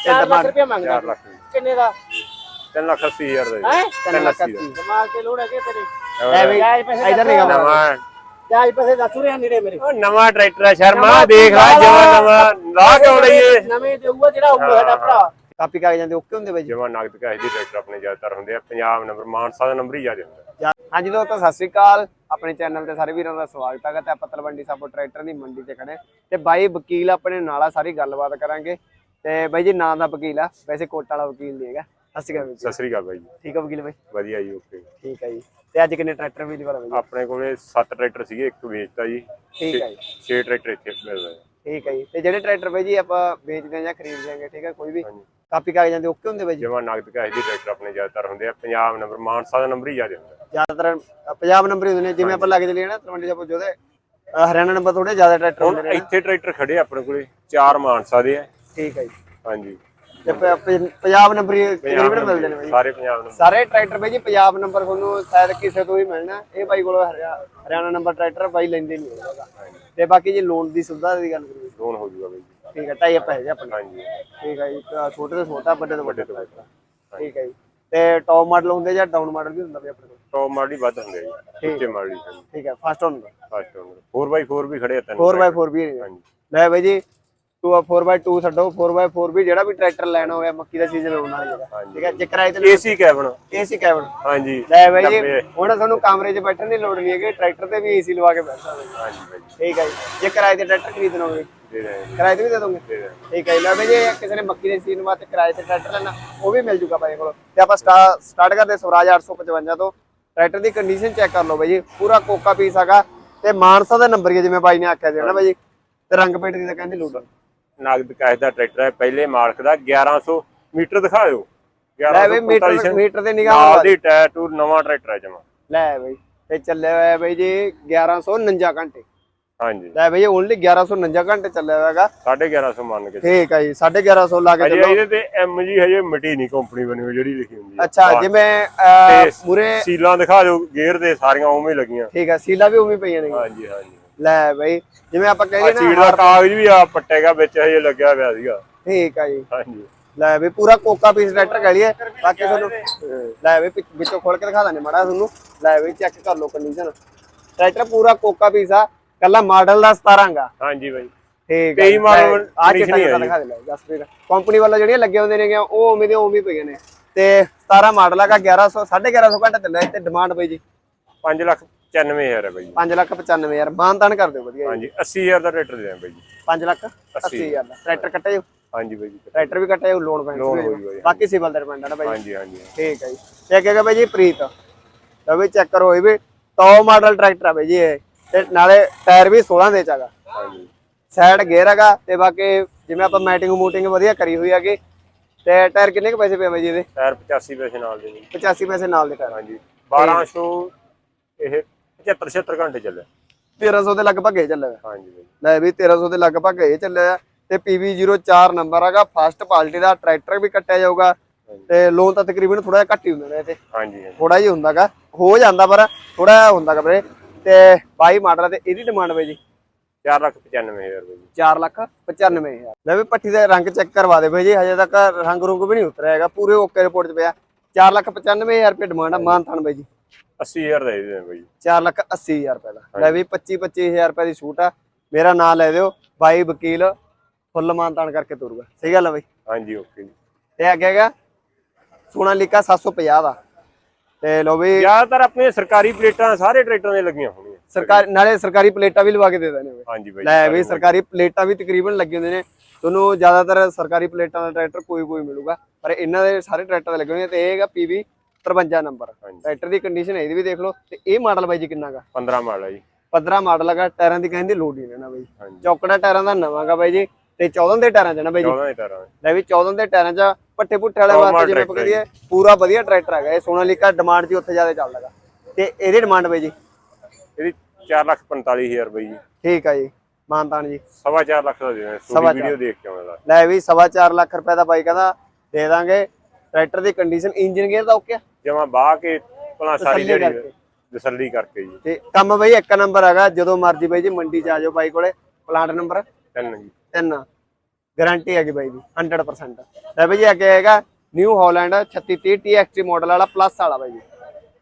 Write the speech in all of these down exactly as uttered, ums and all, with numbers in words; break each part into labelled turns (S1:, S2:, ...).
S1: चार लाख रुपया मांगदा
S2: चार लाख
S1: किन्ने दा
S2: तीन लाख अस्सी हजार दा
S1: हैं
S2: तीन लाख अस्सी
S1: दिमाग ते लोड़ है के तेरे
S2: ਲੈ
S1: बई
S3: इधर नहीं गया
S2: ਨਵਾਂ
S1: जायज पैसे दस रहे नेड़े मेरे
S2: ਉਹ ਨਵਾਂ ਟਰੈਕਟਰ ਆ ਸ਼ਰਮਾ ਦੇਖ ਲੈ ਜਮਾ ਨਵਾਂ ਲਾ ਕਿਉਂ ਲਈਏ
S1: ਨਵੇਂ ਦੇਊਗਾ ਜਿਹੜਾ ਹੋਊਗਾ ਸਾਡਾ ਭਰਾ
S3: ਕਾਪੀ ਕਾਗਜ਼ਾਂ ਦੇ ਓਕੇ ਹੁੰਦੇ ਬਾਈ ਜੀ
S2: ਜਮਾ ਨਗਦ ਕੈਸ਼ ਦੀ ਟਰੈਕਟਰ ਆਪਣੇ ਜ਼ਿਆਦਾਤਰ ਹੁੰਦੇ ਆ ਪੰਜਾਬ ਨੰਬਰ ਮਾਨਸਾ ਦਾ ਨੰਬਰ ਹੀ ਜ਼ਿਆਦਾ ਹੁੰਦਾ
S3: ਹਾਂਜੀ ਦੋਸਤੋ ਸਤਿ ਸ੍ਰੀ ਅਕਾਲ ਆਪਣੇ ਚੈਨਲ ਤੇ ਸਾਰੇ ਵੀਰਾਂ ਦਾ ਸਵਾਗਤ ਹੈ ਤੇ ਆਪਾਂ ਤਲਵੰਡੀ ਸਾਬੋ ਟਰੈਕਟਰ ਦੀ ਮੰਡੀ ਤੇ ਖੜੇ ਤੇ ਬਾਈ ਵਕੀਲ ਆਪਣੇ ਨਾਲ ਆ ਸਾਰੀ ਗੱਲਬਾਤ ਕਰਾਂਗੇ ਤੇ ਬਾਈ ਜੀ ਨਾਂ ਦਾ ਵਕੀਲ ਆ ਵੈਸੇ ਕੋਟ ਵਾਲਾ ਵਕੀਲ ਨਹੀਂ ਹੈਗਾ ਸਤਿ ਸ੍ਰੀ ਅਕਾਲ
S2: ਸਤਿ ਸ੍ਰੀ ਅਕਾਲ ਬਾਈ ਜੀ
S3: ਠੀਕ ਆ ਵਕੀਲ ਬਾਈ
S2: ਵਧੀਆ ਜੀ ਓਕੇ
S3: ਠੀਕ ਹੈ ਜੀ ਤੇ ਅੱਜ ਕਿੰਨੇ ਟਰੈਕਟਰ ਵੀਲ ਵਾਲਾ ਬਾਈ
S2: ਆਪਣੇ ਕੋਲੇ ਸੱਤ ਟਰੈਕਟਰ ਸੀਗੇ ਇੱਕ ਵੇਚਤਾ ਜੀ
S3: ਠੀਕ ਹੈ ਜੀ
S2: ਛੇ ਟਰੈਕਟਰ ਇੱਥੇ ਮਿਲਦੇ
S3: ਠੀਕ ਹੈ ਜੀ ਤੇ ਜਿਹੜੇ ਟਰੈਕਟਰ ਬਾਈ ਜੀ ਆਪਾਂ ਵੇਚਦੇ ਆ ਜਾਂ ਖਰੀਦਦੇ ਆਂਗੇ ਠੀਕ ਹੈ ਕੋਈ ਵੀ ਕਾਪੀ ਕਾਗਜ਼ਾਂ ਦੇ ਓਕੇ ਹੁੰਦੇ ਬਾਈ ਜੀ
S2: ਜਮਾ ਨਗਦ ਕੈਸ਼ ਦੀ ਟਰੈਕਟਰ ਆਪਣੇ ਜ਼ਿਆਦਾਤਰ ਹੁੰਦੇ ਆ ਪੰਜਾਬ ਨੰਬਰ ਮਾਨਸਾ ਦਾ ਨੰਬਰ ਹੀ ਜ਼ਿਆਦਾ ਹੁੰਦਾ
S3: ਜ਼ਿਆਦਾਤਰ ਪੰਜਾਬ ਨੰਬਰ ਹੀ ਹੁੰਦੇ ਨੇ ਜਿਵੇਂ ਆਪਾਂ ਲੱਗ ਚਲੀਏ ਨਾ ਤਲਵੰਡੀ ਸਾਬੋ ਜੋਦੇ ਹਰਿਆਣਾ ਨੰਬਰ ਥੋੜੇ ਜ਼ਿਆਦਾ ਟਰੈਕਟਰ ਹੁੰਦੇ
S2: ਹੁਣ
S3: ਨੇ
S2: ਇੱਥੇ ਟਰੈਕਟਰ ਖੜੇ ਆ ਆਪਣੇ ਕੋਲੇ ਚਾਰ ਮਾਨਸਾ ਦੇ ਆ
S3: ਠੀਕ ਹੈ ਜੀ
S2: ਹਾਂਜੀ
S3: ਤੇ ਪ- ਪ- ਪੰਜਾਬ ਨੰਬਰ ਹੀ ਤਕਰੀਬਨ ਮਿਲਦੇ ਨੇ ਬਾਈ ਜੀ।
S2: ਸਾਰੇ ਪੰਜਾਬ ਨੰਬਰ
S3: ਸਾਰੇ ਟਰੈਕਟਰ ਬਾਈ ਜੀ ਪੰਜਾਬ ਨੰਬਰ ਤੁਹਾਨੂੰ ਸ਼ਾਇਦ ਕਿਸੇ ਤੋਂ ਹੀ ਮਿਲਣਾ ਇਹ ਬਾਈ ਕੋਲ ਹਰਿਆਣਾ ਨੰਬਰ ਟਰੈਕਟਰ ਬਾਈ ਲੈਂਦੇ ਨਹੀਂ ਹੋਗਾ ਤੇ ਬਾਕੀ ਜੇ ਲੋਨ ਦੀ ਸੁਵਿਧਾ ਦੀ ਗੱਲ ਕਰੀਏ
S2: ਲੋਨ ਹੋ ਜੂਗਾ ਬਾਈ ਜੀ
S3: ਠੀਕ ਹੈ ਢਾਈ ਆਪਾਂ ਹੈਗੇ ਆਪਣੇ
S2: ਹਾਂਜੀ
S3: ਠੀਕ ਹੈ ਜੀ ਤਾਂ ਛੋਟੇ ਤੋਂ ਛੋਟਾ ਵੱਡੇ ਤੋਂ ਵੱਡੇ ਟਰੈਕਟਰ ਠੀਕ ਹੈ ਜੀ ਤੇ ਟੌਪ ਮਾਡਲ ਹੁੰਦੇ ਜਾਂ ਡਾਊਨ ਮਾਡਲ ਵੀ ਹੁੰਦਾ ਬਾਈ ਆਪਣੇ ਕੋਲ
S2: ਟੌਪ ਮਾਡਲ ਹੀ ਵੱਧ ਹੁੰਦੇ ਆ ਜੀ ਉੱਚੇ ਮਾਡਲ ਹੀ ਹਾਂਜੀ
S3: ਠੀਕ ਹੈ ਫਸਟ ਹੁੰਦਾ
S2: first owner four by four ਵੀ ਖੜੇ ਆ ਤਿੰਨ
S3: ਫੋਰ ਬਾਈ ਫੋਰ ਵੀ ਹੈ
S2: ਹਾਂਜੀ
S3: ਲੈ ਬਾਈ ਜੀ ਟੂ ਆ ਫੋਰ ਬਾਈ ਟੂ ਛੱਡੋ ਫੋਰ ਬਾਈ ਫੋਰ ਵੀ ਜਿਹੜਾ ਵੀ ਟਰੈਕਟਰ ਲੈਣਾ ਹੋਇਆ ਮੱਕੀ ਦਾ ਸੀਜ਼ਨ ਆਉਣ ਵਾਲਾ ਹੈਗਾ ਠੀਕ ਹੈ ਜੇ ਕਿਰਾਏ ਤੇ
S2: ਏਸੀ ਕੈਬਨ
S3: ਏਸੀ ਕੈਬਨ
S2: ਹਾਂਜੀ
S3: ਲੈ ਬਾਈ ਜੀ ਹੁਣ ਤੁਹਾਨੂੰ ਕਮਰੇ 'ਚ ਬੈਠਣ ਦੀ ਲੋੜ ਨਹੀਂ ਹੈਗੀ ਟਰੈਕਟਰ ਤੇ ਵੀ ਏਸੀ ਲਵਾ ਕੇ ਬੈਠ ਸਕਦੇ ਹੋ।
S2: ਹਾਂਜੀ ਬਾਈ ਜੀ
S3: ਠੀਕ ਹੈ ਜੀ ਜੇ ਕਿਰਾਏ ਤੇ ਟਰੈਕਟਰ ਖਰੀਦਣਾ ਹੋਵੇ
S2: ਦੇ ਰਹੇ ਹਾਂ
S3: ਕਿਰਾਏ ਤੇ ਵੀ ਦੇ ਦੋਗੇ
S2: ਦੇ ਰਹੇ
S3: ਠੀਕ ਹੈ ਜੀ ਲੈ ਬਾਈ ਜੇ ਕਿਸੇ ਨੇ ਮੱਕੀ ਦੇ ਸੀਜ਼ਨ ਵਾਸਤੇ ਕਿਰਾਏ ਤੇ ਟਰੈਕਟਰ ਲੈਣਾ ਉਹ ਵੀ ਮਿਲ ਜੂਗਾ ਬਾਈ ਕੋਲ ਤੇ ਆਪਾਂ ਸਟਾਰਟ ਕਰਦੇ ਸਵਰਾਜ ਅੱਠ ਸੌ ਪਚਵੰਜਾ ਤੋਂ ਟਰੈਕਟਰ ਦੀ ਕੰਡੀਸ਼ਨ ਚੈੱਕ ਕਰ ਲਓ ਬਾਈ ਜੀ ਪੂਰਾ ਕੋਕਾ ਪੀਸ ਹੈਗਾ ਤੇ ਮਾਨਸਾ ਦਾ ਨੰਬਰ ਹੀ ਹੈ ਜਿਵੇਂ ਬਾਈ ਨੇ ਆਖਿਆ ਸੀ ਨਾ ਬਾਈ ਜੀ ਤੇ ਰੰਗ ਪੇਂਟ ਦੀ ਤਾਂ ਕਹਿੰਦੇ ਲੋੜ
S2: ਨਗਦ ਕੈਸ਼ ਦਾ ਟਰੈਕਟਰ ਹੈ ਪਹਿਲੇ ਮਾਲਕ ਦਾ ਗਿਆਰਾਂ ਸੌ ਮੀਟਰ ਦਿਖਾਇਓ
S3: ਲੈ ਬਈ ਮੀਟਰ ਮੀਟਰ ਤੇ ਨਿਗਾਹ
S2: ਨਾਲ ਦੀ ਟੈਟੂ ਨਵਾਂ ਟਰੈਕਟਰ ਹੈ ਜਮਾ
S3: ਲੈ ਬਈ ਤੇ ਚੱਲਿਆ ਹੋਇਆ ਬਾਈ ਜੀ ਗਿਆਰਾਂ ਸੌ ਉਨੰਜਾ ਘੰਟੇ
S2: ਹਾਂਜੀ
S3: ਲੈ ਬਈ ਓਨਲੀ ਗਿਆਰਾਂ ਸੌ ਉਨੰਜਾ ਘੰਟੇ ਚੱਲਿਆ ਹੋਇਆ ਹੈਗਾ
S2: ਸਾਢੇ ਗਿਆਰਾਂ ਸੌ ਮੰਨ ਕੇ
S3: ਠੀਕ ਹੈ ਜੀ ਸਾਢੇ ਗਿਆਰਾਂ ਸੌ ਲਾ ਕੇ
S2: ਅਜੇ
S3: ਚੱਲੋ
S2: ਇਹਦੇ ਤੇ ਐਮ ਜੀ ਹਜੇ ਮਿਟੀ ਨਹੀਂ ਕੰਪਨੀ ਬਣੀ ਹੋਈ ਜਿਹੜੀ ਲਿਖੀ ਹੁੰਦੀ ਹੈ
S3: ਅੱਛਾ ਜਿਵੇਂ ਪੂਰੇ
S2: ਸੀਲਾਂ ਦਿਖਾ ਦਿਓ ਗੇਅਰ ਦੇ ਸਾਰੀਆਂ ਉਵੇਂ ਹੀ ਲੱਗੀਆਂ
S3: ਠੀਕ ਹੈ ਸੀਲਾ ਵੀ ਉਵੇਂ ਪਈਆਂ ਨੇ
S2: ਹਾਂਜੀ ਹਾਂਜੀ
S3: ਲੈ ਬਈ ਜਿਵੇਂ ਆਪਾਂ
S2: ਆ
S3: ਕਹਿੰਦੇ
S2: ਸੀਟ
S3: ਨਾ
S2: ਦਾ ਕਾਗਜ਼ ਵੀ ਆ ਪੱਟੇਗਾ ਵਿੱਚ ਹਜੇ ਲੱਗਿਆ ਹੋਇਆ ਸੀਗਾ
S3: ਠੀਕ ਹੈ ਜੀ
S2: ਹਾਂਜੀ
S3: ਲੈ ਵੀ ਪੂਰਾ ਕੋਕਾ ਪੀਸ ਟਰੈਕਟਰ ਕਹਿ ਲਈਏ ਬਾਕੀ ਤੁਹਾਨੂੰ ਲੈ ਵੀ ਵਿੱਚੋਂ ਖੋਲ ਕੇ ਦਿਖਾ ਦਾਂਗੇ ਮਾੜਾ ਤੁਹਾਨੂੰ ਲੈ ਵੀ ਚੈੱਕ ਕਰ ਲਓ ਕੰਡੀਸ਼ਨ ਟਰੈਕਟਰ ਪੂਰਾ ਕੋਕਾ ਪੀਸ ਆ ਕੱਲਾ ਮਾਡਲ ਦਾ ਸਤਾਰਾਂ ਗਾ
S2: ਹਾਂਜੀ ਬਾਈ
S3: ਠੀਕ
S2: ਕਈ ਮਾਡਲ
S3: ਆ ਚਿੱਟਾ ਜਿਹਾ ਦਿਖਾ ਦੇ ਲੈ ਜਸਪ੍ਰੀਤ ਕੰਪਨੀ ਵਾਲਾ ਜਿਹੜੀਆਂ ਲੱਗੇ ਹੁੰਦੇ ਨੇ ਉਹ ਉਵੇਂ ਦੇ ਉਵੇਂ ਪਈਆਂ ਨੇ ਤੇ ਸਤਾਰਾਂ ਮਾਡਲ ਹੈਗਾ ਗਿਆਰਾਂ ਸੌ ਸਾਢੇ ਗਿਆਰਾਂ ਸੌ ਘੰਟਾ ਚੱਲਿਆ ਤੇ ਡਿਮਾਂਡ ਬਾਈ ਜੀ
S2: ਪੰਜ ਲੱਖ ਪਚਾਨਵੇਂ ਹਜ਼ਾਰ ਹੈ ਬਾਈ ਜੀ
S3: ਪੰਜ ਲੱਖ ਪਚਾਨਵੇਂ ਹਜ਼ਾਰ ਮਾਨਤਾਨ ਕਰ ਦਿਓ ਵਧੀਆ
S2: ਹਾਂਜੀ ਅੱਸੀ ਹਜ਼ਾਰ ਦਾ ਟਰੈਕਟਰ ਦੇ ਦਾਂ ਬਾਈ ਜੀ
S3: ਪੰਜ ਲੱਖ ਅੱਸੀ ਹਜ਼ਾਰ ਦਾ ਟਰੈਕਟਰ ਕੱਟੇ ਜੋ
S2: ਹਾਂਜੀ ਬਾਈ ਜੀ
S3: ਟਰੈਕਟਰ ਵੀ ਕੱਟੇ ਜੋ ਲੋਨ
S2: ਲੋਨ
S3: ਪੈਂਸ
S2: ਹੋਈ ਬਾਈ
S3: ਬਾਕੀ ਸਿਵਲ ਦਾ ਡਿਪੈਂਡ ਹੈ ਨਾ ਬਾਈ
S2: ਹਾਂਜੀ ਹਾਂਜੀ
S3: ਠੀਕ ਹੈ ਜੀ ਚੈੱਕ ਹੈਗਾ ਬਾਈ ਜੀ ਪ੍ਰੀਤ ਲਓ ਵੀ ਚੈੱਕ ਕਰੋ ਇਹ ਵੀ ਟੌਪ ਮਾਡਲ ਟਰੈਕਟਰ ਆ ਬਾਈ ਜੀ ਇਹ ਤੇ ਨਾਲੇ ਟਾਇਰ ਵੀ ਸੋਲਾਂ ਦੇ ਚ ਹੈਗਾ
S2: ਹਾਂਜੀ
S3: ਸਾਈਡ ਗੇਅਰ ਹੈਗਾ ਤੇ ਬਾਕੀ ਜਿਵੇਂ ਆਪਾਂ ਮੈਟਿੰਗ ਮੂਟਿੰਗ ਵਧੀਆ ਕਰੀ ਹੋਈ ਹੈਗੀ ਤੇ ਟਾਇਰ ਕਿੰਨੇ ਕੁ ਪੈਸੇ ਪਏ ਬਾਈ ਜੀ ਇਹਦੇ
S2: ਟਾਇਰ ਪਚਾਸੀ ਪੈਸੇ ਨਾਲ ਦੇ ਜੀ
S3: ਪਚਾਸੀ ਪੈਸੇ ਨਾਲ ਦੇ ਟਾਇਰ
S2: ਹਾਂਜੀ ਬਾਰਾਂ ਸੌ ਇਹ ਪਚੱਤਰ ਛਿਅੱਤਰ ਘੰਟੇ ਚੱਲਿਆ
S3: ਤੇਰਾਂ ਸੌ ਦੇ ਲਗਭਗ ਇਹ ਚੱਲਿਆ
S2: ਹਾਂਜੀ ਬਾਈ
S3: ਲੈ ਵੀ ਤੇਰਾਂ ਸੌ ਦੇ ਲਗਭਗ ਇਹ ਚੱਲਿਆ ਤੇ ਪੀ ਵੀ ਜ਼ੀਰੋ ਚਾਰ ਨੰਬਰ ਹੈਗਾ ਫਸਟ ਪਾਰਟੀ ਦਾ ਟਰੈਕਟਰ ਵੀ ਕੱਟਿਆ ਜਾਊਗਾ ਤੇ ਲੋਨ ਤਾਂ ਤਕਰੀਬਨ ਥੋੜਾ ਜਿਹਾ ਘੱਟ ਹੀ ਹੁੰਦਾ ਨੇ ਤੇ
S2: ਹਾਂਜੀ
S3: ਥੋੜਾ ਜਿਹਾ ਹੁੰਦਾਗਾ ਹੋ ਜਾਂਦਾ ਪਰ ਥੋੜਾ ਜਿਹਾ ਹੁੰਦਾਗਾ ਵੀਰੇ ਤੇ ਬਾਈ ਮਾਡਲ ਤੇ ਇਹਦੀ ਡਿਮਾਂਡ ਬਾਈ ਜੀ
S2: ਚਾਰ ਲੱਖ ਪਚਾਨਵੇਂ ਹਜ਼ਾਰ ਬਾਈ ਜੀ
S3: ਚਾਰ ਲੱਖ ਪਚਾਨਵੇਂ ਹਜ਼ਾਰ ਲੈ ਵੀ ਪੱਠੀ ਦਾ ਰੰਗ ਚੈੱਕ ਕਰਵਾ ਦੇ ਬਾਈ ਜੀ ਹਜੇ ਤੱਕ ਰੰਗ ਰੁੰਗ ਵੀ ਨਹੀਂ ਉਤਰਿਆ ਹੈਗਾ ਪੂਰੇ ਓਕੇ ਰਿਪੋਰਟ 'ਚ ਪਿਆ ਚਾਰ ਲੱਖ ਪਚਾਨਵੇਂ ਹਜ਼ਾਰ ਰੁਪਏ ਡਿਮਾਂਡ ਆ ਮਾਨਥਾਨ ਬਾਈ ਜੀ
S2: ਅੱਸੀ ਹਜ਼ਾਰ ਦਾ ਦੇ ਦੇ ਬਾਈ ਜੀ
S3: ਚਾਰ ਲੱਖ ਅੱਸੀ ਹਜ਼ਾਰ ਰੁਪਏ ਦਾ ਲੈ ਵੀ ਪੱਚੀ ਪੱਚੀ ਹਜ਼ਾਰ ਰੁਪਏ ਦੀ ਛੂਟ ਆ ਮੇਰਾ ਨਾਮ ਲੈ ਦਿਓ ਬਾਈ ਵਕੀਲ ਫੁੱਲ ਮਾਨਤਾਨ ਕਰਕੇ ਤੁਰੂਗਾ ਸਹੀ ਗੱਲ ਆ ਬਾਈ
S2: ਹਾਂਜੀ ਓਕੇ ਜੀ
S3: ਤੇ ਅੱਗੇ ਹੈਗਾ ਸੋਨਾਲੀਕਾ ਸੱਤ ਸੌ ਪੰਜਾਹ ਦਾ ਤੇ ਲੋ ਵੀ
S2: ਜ਼ਿਆਦਾਤਰ ਆਪਣੇ ਸਰਕਾਰੀ ਪਲੇਟਾਂ ਸਾਰੇ ਟਰੈਕਟਰਾਂ ਦੇ ਲੱਗੀਆਂ ਹੋਣੀਆਂ
S3: ਸਰਕਾਰੀ ਨਾਲੇ ਸਰਕਾਰੀ ਪਲੇਟਾਂ ਵੀ ਲਵਾ ਕੇ ਦੇ ਦੇਣੇ
S2: ਹਾਂਜੀ ਬਾਈ
S3: ਲੈ ਵੀ ਸਰਕਾਰੀ ਪਲੇਟਾਂ ਵੀ ਤਕਰੀਬਨ ਲੱਗੇ ਹੁੰਦੇ ਨੇ ਤੁਹਾਨੂੰ ਜ਼ਿਆਦਾਤਰ ਸਰਕਾਰੀ ਪਲੇਟਾਂ ਦਾ ਟਰੈਕਟਰ ਕੋਈ ਕੋਈ ਮਿਲੂਗਾ ਪਰ ਇਹਨਾਂ ਦੇ ਸਾਰੇ ਟਰੈਕਟਰ ਦੇ ਲੱਗੇ ਹੋਣੇ ਤੇ ਇਹ ਹੈਗਾ ਪੀ ਵੀ ਤਰਵੰਜਾ ਨੰਬਰ ਟਰੈਕਟਰ ਦੀ ਕੰਡੀਸ਼ਨ ਇਹਦੀ ਵੀ ਦੇਖ ਲਓ ਤੇ ਇਹ ਮਾਡਲ ਬਾਈ ਜੀ ਕਿੰਨਾ ਗਾ
S2: ਪੰਦਰਾਂ ਮਾਡਲ ਹੈ ਜੀ
S3: ਪੰਦਰਾਂ ਮਾਡਲ ਹੈਗਾ ਟਾਇਰਾਂ ਦੀ ਕਹਿੰਦੇ ਲੋਡ ਹੀ ਰਹਿਣਾ ਬਾਈ ਚੌਕੜਾ ਟਾਇਰਾਂ ਦਾ ਨਵਾਂਗਾ ਬਾਈ ਜੀ ਤੇ ਚੌਦਾਂ ਦੇ ਟਾਇਰਾਂ ਚ ਨਾ ਬਾਈ ਜੀ
S2: ਚੌਦਾਂ ਦੇ ਟਾਇਰਾਂ
S3: ਲੈ ਵੀ ਚੌਦਾਂ ਦੇ ਟਾਇਰਾਂ ਚ ਪੱਠੇ ਪੁੱਠੇ ਵਾਲੇ ਵਾਸਤੇ ਜਿਵੇਂ ਆਪਾਂ ਕਹੀਏ ਪੂਰਾ ਵਧੀਆ ਟਰੈਕਟਰ ਹੈਗਾ ਇਹ ਸੋਨਾਲੀਕਾ ਡਿਮਾਂਡ ਜੀ ਉੱਥੇ ਜ਼ਿਆਦਾ ਚੱਲਦਾਗਾ ਤੇ ਇਹਦੀ ਡਿਮਾਂਡ ਬਾਈ ਜੀ
S2: ਇਹਦੀ ਚਾਰ ਲੱਖ ਪੰਤਾਲੀ ਹਜ਼ਾਰ ਬਾਈ ਜੀ
S3: ਠੀਕ ਆ ਜੀ ਮਾਨਤਾਨ ਜੀ
S2: ਸਵਾ ਚਾਰ ਲੱਖ ਦਾ ਦੇ ਦੇਣਾ ਸੋਡੀ ਵੀਡੀਓ ਦੇਖ ਕੇ ਆਉਂਦਾ
S3: ਲੈ ਵੀ ਸਵਾ ਚਾਰ ਲੱਖ ਰੁਪਏ ਦਾ ਬਾਈ ਕਹਿੰਦਾ ਦੇ ਦਾਂਗੇ ਟਰੈਕਟਰ ਦੀ ਕੰਡੀਸ਼ਨ ਇੰਜਨ ਗੇਅਰ ਦਾ ਓਕੇ
S2: ਜਮਾ ਬਾਹ ਕੇ ਭਲਾ ਸਾਰੀ ਜਿਹੜੀ ਤਸੱਲੀ ਕਰਕੇ ਜੀ
S3: ਤੇ ਕੰਮ ਬਾਈ ਇੱਕ ਨੰਬਰ ਹੈਗਾ ਜਦੋਂ ਮਰਜੀ ਬਾਈ ਜੀ ਮੰਡੀ ਚ ਆ ਜਾਓ ਬਾਈ ਕੋਲੇ ਪਲਾਂਟ ਨੰਬਰ
S2: ਤਿੰਨ ਜੀ
S3: ਤਿੰਨ ਗਾਰੰਟੀ ਹੈਗੀ ਬਾਈ ਦੀ ਹੰਡਰਡ ਪਰਸੈਂਟ। ਲੈ ਬਾਈ ਜੀ ਅੱਗੇ ਹੈਗਾ ਨਿਊ ਹਾਲੈਂਡ ਛੱਤੀ ਤੀਹ ਟੀ ਐਕਸ ਟੀ ਮਾਡਲ ਵਾਲਾ ਪਲੱਸ ਵਾਲਾ ਬਾਈ ਜੀ।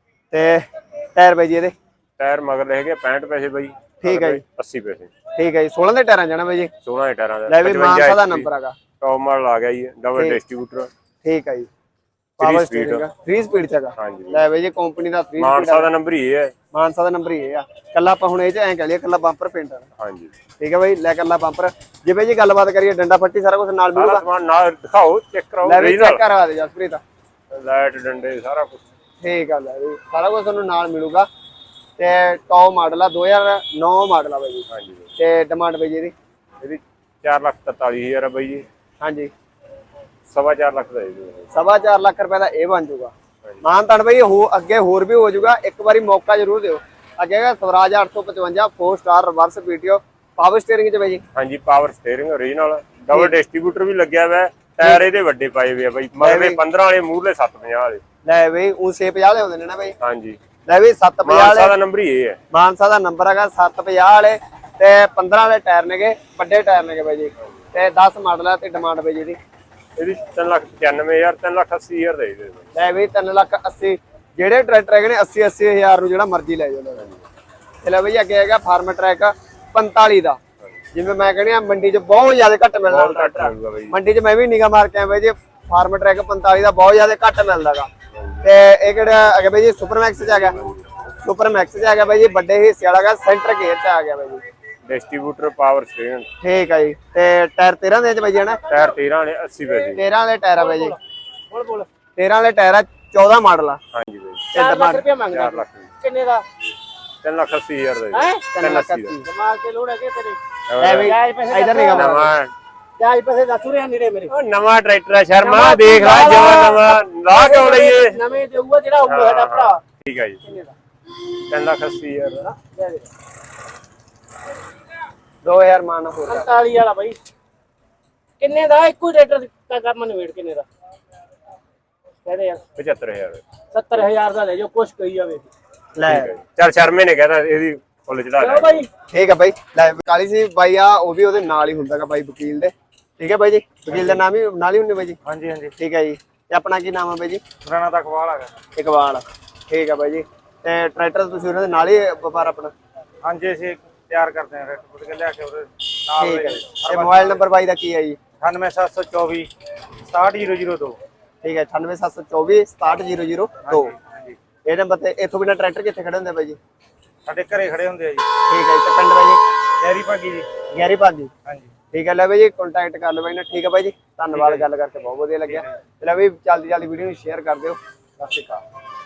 S3: ਤੇ ਟਾਇਰ ਬਾਈ ਜੀ ਇਹਦੇ
S2: ਟਾਇਰ ਮਗਰ ਹੈਗੇ ਪੈਂਹਠ ਪੈਸੇ ਬਾਈ।
S3: ਠੀਕ ਹੈ ਜੀ
S2: ਅੱਸੀ ਪੈਸੇ।
S3: ਠੀਕ ਹੈ ਜੀ ਸੋਲਾਂ ਦੇ ਟਾਇਰਾਂ ਜਾਣਾ ਬਾਈ ਜੀ।
S2: ਸੋਲਾਂ ਦੇ ਟਾਇਰਾਂ ਦਾ
S3: ਲੈ ਵੀ ਮਾਨਸਾ ਦਾ ਨੰਬਰ ਹੈਗਾ।
S2: ਟੌਪ ਮਾਡਲ ਆ ਗਿਆ ਜੀ ਡਬਲ ਡਿਸਟ੍ਰੀਬਿਊਟਰ।
S3: ਠੀਕ ਹੈ ਜੀ ਪਾਵਰ ਸਟੀਅਰਿੰਗ ਥ੍ਰੀ ਸਪੀਡ ਚ ਹੈਗਾ।
S2: ਹਾਂਜੀ
S3: ਲੈ ਬਾਈ ਜੀ ਕੰਪਨੀ ਦਾ ਥ੍ਰੀ
S2: ਮਾਨਸਾ ਦਾ ਨੰਬਰ ਹੀ ਇਹ ਹੈ।
S3: ਮਾਨਸਾ ਦਾ ਨੰਬਰ ਹੀ ਇਹ ਆ। ਕੱਲਾ ਆਪਾਂ ਹੁਣ ਇਹ ਚ ਐਂ ਕਹਿ ਲਈਏ ਕੱਲਾ ਬੰਪਰ ਪੇਂਟ ਆ।
S2: ਹਾਂਜੀ
S3: ਠੀਕ ਹੈ ਬਾਈ ਲੈ ਕੱਲਾ ਬੰਪਰ। ਜੇ ਬਾਈ ਜੀ ਗੱਲਬਾਤ ਕਰੀਏ ਡੰਡਾ ਫੱਟੀ ਸਾਰਾ ਕੁਝ ਨਾਲ ਮਿਲੂਗਾ।
S2: ਸਾਰਾ ਸਮਾਨ ਨਾਲ ਦਿਖਾਓ ਚੈੱਕ ਕਰਾਓ।
S3: ਲੈ ਵੀ ਚੈੱਕ ਕਰਵਾ ਦੇ ਜਸਪ੍ਰੀਤ।
S2: ਲਾਈਟ ਡੰਡੇ ਸਾਰਾ ਕੁਝ
S3: ਠੀਕ ਆ ਲੈ ਵੀ ਸਾਰਾ ਕੁਝ ਤੁਹਾਨੂੰ ਨਾਲ ਮਿਲੂਗਾ। ਤੇ ਟੌਪ ਮਾਡਲ ਆ ਦੋ ਹਜ਼ਾਰ ਨੌ ਮਾਡਲ ਆ ਬਾਈ ਜੀ।
S2: ਹਾਂਜੀ
S3: ਤੇ ਡਿਮਾਂਡ ਬਾਈ ਜੀ ਇਹਦੀ
S2: ਇਹਦੀ ਚਾਰ ਲੱਖ ਤਰਤਾਲੀ ਹਜ਼ਾਰ ਆ ਬਾਈ ਜੀ।
S3: ਹਾਂਜੀ
S2: ਸਵਾ ਚਾਰ ਲੱਖ ਦਾ ਇਹ
S3: ਸਵਾ ਚਾਰ ਲੱਖ ਰੁਪਏ ਦਾ ਇਹ ਬਣ ਜਾਊਗਾ। ਮਾਨ ਤਾਨ ਬਾਈ ਹੋ ਅੱਗੇ ਹੋਰ ਵੀ ਹੋ ਜਾਊਗਾ। ਇੱਕ ਵਾਰੀ ਮੌਕਾ ਜ਼ਰੂਰ ਦਿਓ। ਅੱਗੇ ਹੈਗਾ ਸਵਰਾਜ ਅੱਠ ਸੌ ਪਚਵੰਜਾ four star reverse PTO power steering ਚ ਬਾਈ ਜੀ।
S2: ਹਾਂਜੀ power steering original double distributor ਵੀ ਲੱਗਿਆ ਹੋਇਆ। ਟਾਇਰ ਇਹਦੇ ਵੱਡੇ ਪਾਏ ਹੋਏ ਆ ਬਾਈ ਮਗਰਲੇ ਪੰਦਰਾਂ ਵਾਲੇ ਮੂਹਰਲੇ ਸੱਤ ਪੰਜਾਹ ਵਾਲੇ।
S3: ਲੈ ਬਈ ਉਹ ਛੇ ਪੰਜਾਹ ਵਾਲੇ ਹੁੰਦੇ ਨੇ ਨਾ ਬਾਈ।
S2: ਹਾਂਜੀ
S3: ਲੈ ਵੀ ਸੱਤ ਪੰਜਾਹ ਵਾਲੇ
S2: ਮਾਨਸਾ ਦਾ ਨੰਬਰ ਹੀ ਇਹ ਹੈ।
S3: ਮਾਨਸਾ ਦਾ ਨੰਬਰ ਹੈਗਾ ਸੱਤ ਪੰਜਾਹ ਵਾਲੇ ਤੇ ਪੰਦਰਾਂ ਵਾਲੇ ਟਾਇਰ ਨੇਗੇ ਵੱਡੇ ਟਾਇਰ ਨੇਗੇ ਬਾਈ ਜੀ। ਤੇ ਦਸ ਮਾਡਲ ਆ ਤੇ ਡਿਮਾਂਡ ਬਾਈ ਜੀ ਦੀ
S2: ਇਹਦੀ ਤਿੰਨ ਲੱਖ ਪਚਾਨਵੇਂ ਹਜ਼ਾਰ ਤਿੰਨ ਲੱਖ ਅੱਸੀ ਹਜ਼ਾਰ ਦੇ ਦੇ।
S3: ਲੈ ਵੀ ਤਿੰਨ ਲੱਖ ਅੱਸੀ ਜਿਹੜੇ ਟਰੈਕਟਰ ਹੈਗੇ ਨੇ ਅੱਸੀ ਅੱਸੀ ਹਜ਼ਾਰ ਨੂੰ ਜਿਹੜਾ ਮਰਜ਼ੀ ਲੈ ਜਾਓ। ਤੇ ਲੈ ਬਈ ਅੱਗੇ ਹੈਗਾ ਫਾਰਮ ਟਰੈਕ ਪੰਤਾਲੀ ਦਾ। ਜਿਵੇਂ ਮੈਂ ਕਹਿੰਦੀ ਆ ਮੰਡੀ 'ਚ ਬਹੁਤ ਜ਼ਿਆਦਾ ਘੱਟ ਮਿਲਦਾ ਟਰੈਕਟਰ। ਮੰਡੀ 'ਚ ਮੈਂ ਵੀ ਨਿਗਾਹ ਮਾਰ ਕੇ ਆਇਆ ਬਾਈ ਜੀ ਫਾਰਮ ਟਰੈਕ ਪੰਤਾਲੀ ਦਾ ਬਹੁਤ ਜ਼ਿਆਦਾ ਘੱਟ ਮਿਲਦਾਗਾ। ਤੇ ਇਹ ਕਿਹੜਾ ਹੈਗਾ ਬਾਈ ਜੀ ਸੁਪਰ ਮੈਕਸ 'ਚ ਹੈਗਾ। ਸੁਪਰ ਮੈਕਸ 'ਚ ਹੈਗਾ ਬਾਈ ਜੀ ਵੱਡੇ ਹਿੱਸੇ ਵਾਲਾ ਹੈਗਾ ਸੈਂਟਰ ਗੇਅਰ 'ਚ ਆ ਗਿਆ ਬਾਈ ਜੀ।
S2: ਡਿਸਟ੍ਰੀਬਿਊਟਰ ਪਾਵਰ ਸਟੀਅਰਿੰਗ
S3: ਠੀਕ ਹੈ ਜੀ। ਤੇ ਟਾਇਰ ਤੇਰਾਂ ਦੇ ਚ ਬਾਈ ਜੀ ਹਨਾ।
S2: ਟਾਇਰ ਤੇਰਾਂ ਵਾਲੇ ਅੱਸੀ ਪੈਸੇ।
S3: ਤੇਰਾਂ ਵਾਲੇ ਟਾਇਰ ਆ ਬਾਈ ਜੀ।
S1: ਬੋਲ ਬੋਲ
S3: ਤੇਰਾਂ ਵਾਲੇ ਟਾਇਰ ਆ ਚੌਦਾਂ ਮਾਡਲ ਆ।
S2: ਹਾਂਜੀ ਬਾਈ
S1: ਚਾਰ ਲੱਖ ਰੁਪਏ ਮੰਗਦਾ।
S2: ਚਾਰ ਲੱਖ
S1: ਕਿੰਨੇ ਦਾ
S2: ਤਿੰਨ ਲੱਖ ਅੱਸੀ ਹਜ਼ਾਰ ਦਾ
S1: ਹੈ
S3: ਤਿੰਨ ਲੱਖ ਅੱਸੀ।
S1: ਦਿਮਾਗ ਤੇ ਲੋੜ ਹੈ ਕਿ ਤੇਰੇ
S3: ਲੈ ਬਈ
S1: ਜਾਇਜ਼ ਪੈਸੇ
S3: ਇਧਰ ਨਹੀਂ ਗਾ
S2: ਨਵਾਂ
S1: ਜਾਇਜ਼ ਪੈਸੇ ਦੱਸ ਰਹੇ ਨੇੜੇ ਮੇਰੇ।
S2: ਉਹ ਨਵਾਂ ਟਰੈਕਟਰ ਆ ਸ਼ਰਮਾ ਦੇਖ ਲੈ ਜਮਾ ਨਵਾਂ ਲਾ ਕਿਉਂ ਲਈਏ।
S1: ਨਵੇਂ ਦੇਊਗਾ ਜਿਹੜਾ ਹੋਊਗਾ ਸਾਡਾ ਭਰਾ।
S2: ਠੀਕ ਹੈ ਜੀ
S1: ਕਿੰਨੇ ਦਾ
S2: ਤਿੰਨ ਲੱਖ ਅੱਸੀ ਹਜ਼ਾਰ ਦਾ।
S1: ਲੈ ਦੇ
S3: ਦੋ ਹਜ਼ਾਰ ਮਾਨ ਹੋਰ
S1: ਪੰਤਾਲੀ ਵਾਲਾ ਬਾਈ ਕਿੰਨੇ ਦਾ ਇੱਕੋ ਟਰੈਕਟਰ ਦਾ ਕੰਮ ਨਵੇੜ ਕਿੰਨੇ ਦਾ ਕਹਦੇ ਯਾਰ
S2: ਪਝੱਤਰ ਹਜ਼ਾਰ
S1: ਸੱਤਰ ਹਜ਼ਾਰ ਦਾ ਲੈ ਜਾਓ ਕੁਛ ਕਹੀ ਜਾਵੇ।
S3: ਲੈ
S2: ਚੱਲ ਸ਼ਰਮੇ ਨੇ ਕਹਿਤਾ ਇਹਦੀ ਫੁੱਲ ਚੜਾ
S1: ਚਲੋ
S2: ਲੈ।
S1: ਬਾਈ
S3: ਠੀਕ ਹੈ ਬਾਈ ਲੈ ਕਾਲੀ ਸੀ ਬਾਈ ਆ ਉਹ ਵੀ ਉਹਦੇ ਨਾਲ ਹੀ ਹੁੰਦਾਗਾ ਬਾਈ ਵਕੀਲ ਦੇ। ਠੀਕ ਹੈ ਬਾਈ ਜੀ ਵਕੀਲ ਦਾ ਨਾਮ ਹੀ ਨਾਲ ਹੀ ਹੁੰਦੇ ਬਾਈ ਜੀ।
S4: ਹਾਂਜੀ ਹਾਂਜੀ
S3: ਠੀਕ ਹੈ ਜੀ ਤੇ ਆਪਣਾ ਕੀ ਨਾਮ ਹੈ ਬਾਈ ਜੀ।
S4: ਪੁਰਾਣਾ ਤੱਕ ਵਾਲ ਹੈਗਾ।
S3: ਇਕਬਾਲ ਠੀਕ ਹੈ ਬਾਈ ਜੀ। ਤੇ ਟਰੈਕਟਰ ਤੁਸੀਂ ਉਹਨਾਂ ਦੇ ਨਾਲ ਹੀ ਵਪਾਰ ਆਪਣਾ।
S4: ਹਾਂਜੀ ਅਸੀਂ ਤਿਆਰ ਕਰਦੇ ਹਾਂ ਰੈਟ ਪੁੱਟ ਕੇ ਲਿਆ ਕੇ ਉਹਦੇ ਨਾਲ
S3: ਠੀਕ ਹੈ ਜੀ। ਤੇ ਮੋਬਾਈਲ ਨੰਬਰ ਬਾਈ ਦਾ ਕੀ ਹੈ ਜੀ।
S4: ਅਠਾਨਵੇਂ ਸੱਤ ਸੌ ਚੌਵੀ ਸਤਾਹਠ ਜ਼ੀਰੋ ਜ਼ੀਰੋ ਦੋ।
S3: ਠੀਕ ਹੈ ਅਠਾਨਵੇਂ ਸੱਤ ਸੌ ਚੌਵੀ ਸਤਾਹਠ ਜ਼ੀਰੋ ਜ਼ੀਰੋ ਦੋ।
S4: ਹਾਂਜੀ
S3: ਇਹ ਨੰਬਰ ਤੇ ਇੱਥੋਂ ਬਿਨਾਂ ਟਰੈਕਟਰ ਕਿੱਥੇ ਖੜੇ ਹੁੰਦੇ ਬਾਈ ਜੀ।
S4: ਸਾਡੇ ਘਰੇ ਖੜੇ ਹੁੰਦੇ ਆ ਜੀ।
S3: ਠੀਕ ਹੈ ਜੀ। ਤੇ ਪਿੰਡ ਬਾਈ ਜੀ
S4: ਡੈਰੀ ਭਾਗੀ ਜੀ।
S3: ਗਿਆਰੀ ਭਾਗੀ।
S4: ਹਾਂਜੀ
S3: ਠੀਕ ਹੈ ਲੈ ਬਾਈ ਜੀ ਕੰਟੈਕਟ ਕਰ ਲਓ ਬਾਈ ਨਾਲ। ਠੀਕ ਹੈ ਬਾਈ ਜੀ ਧੰਨਵਾਦ ਗੱਲ ਕਰਕੇ ਬਹੁਤ ਵਧੀਆ ਲੱਗਿਆ। ਤੇ ਲੈ ਬਾਈ ਜਲਦੀ ਜਲਦੀ ਵੀਡੀਓ ਨੂੰ ਸ਼ੇਅਰ ਕਰ ਦਿਓ। ਸਤਿ ਸ਼੍ਰੀ ਅਕਾਲ।